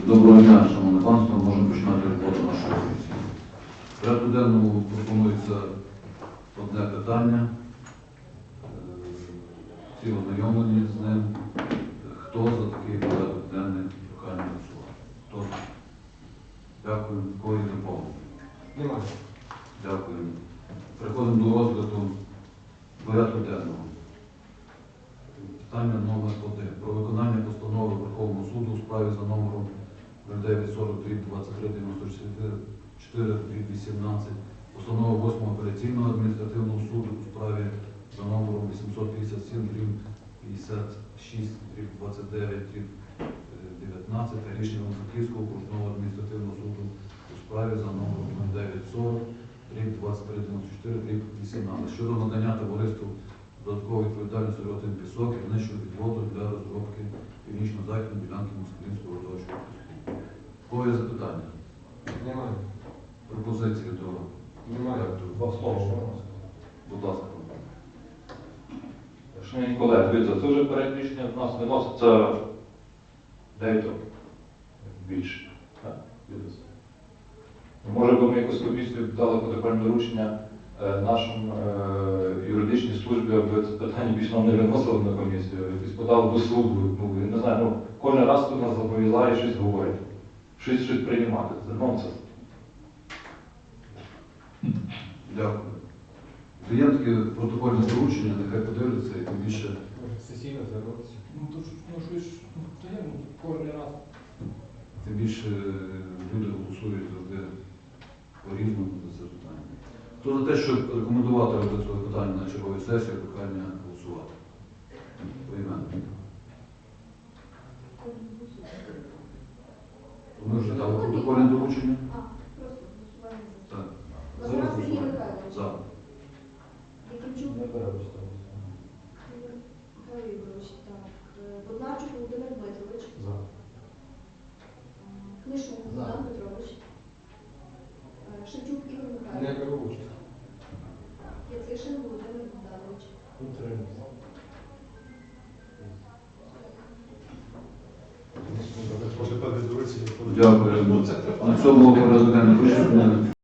Доброго дня, шановне панство. Можемо починати роботу нашої комісії. В порядку денному пропонується одне питання. Всі ознайомлені з ним. Хто за такий порядок денний прохання голосувати? Хто? Дякую. Кого є доповнення? Немає. Дякую. Переходимо до розгляду порядку денного. Питання номер 1. Про виконання постанови Верховного суду у справі за номером 0940-23-94-18, постанови 8 апеляційного адміністративного суду у справі за номером 857-56-29-19 та рішення Франківського окружного адміністративного суду у справі за номером 0940-23-94-18 щодо надання товариству додаткової відповідальності «Ротин Пісок» і знищення відводу для розробки північно-західної ділянки Москвинського родовища. В кого є запитання? Немає. Пропозиції до Немає. Два слова. Будь ласка. Шановні колеги, дивіться, це вже перед рішення в нас виноситься 9 років. Більше. Так, дивіться. Може би ми якусь комісію дали протокольне доручення нашим юридичній службі, аби це питання більше нам не виносили на комісію, якось подали до суду. Ну, я не знаю, кожен раз тут нас зобов'язає щось говорити, щось приймати. Це нонсенс. Дякую. Є таке протокольне доручення, нехай подивляться і тим більше. Сесійно звернутися. Кожен раз. Тим більше люди голосують завжди по-різному за це питання. Хто за те, щоб рекомендувати розгляд цього питання на черговій сесії, прохання голосувати? Поіменно. Ми вже дали протокольне доручення? Просто голосування за. Так. Лазаров Сергій Михайлович. За. Якимчук Не бере участь. Михайло Ігорович, так. Боднарчук Володимир Дмитрович. За. Книшук Богдан Петрович. Шевчук Ігор Не Михайлович. беру участь. Яцишин Володимир Богданович. Утримуюся. Дякую. На цьому порядок денний вичерпаний.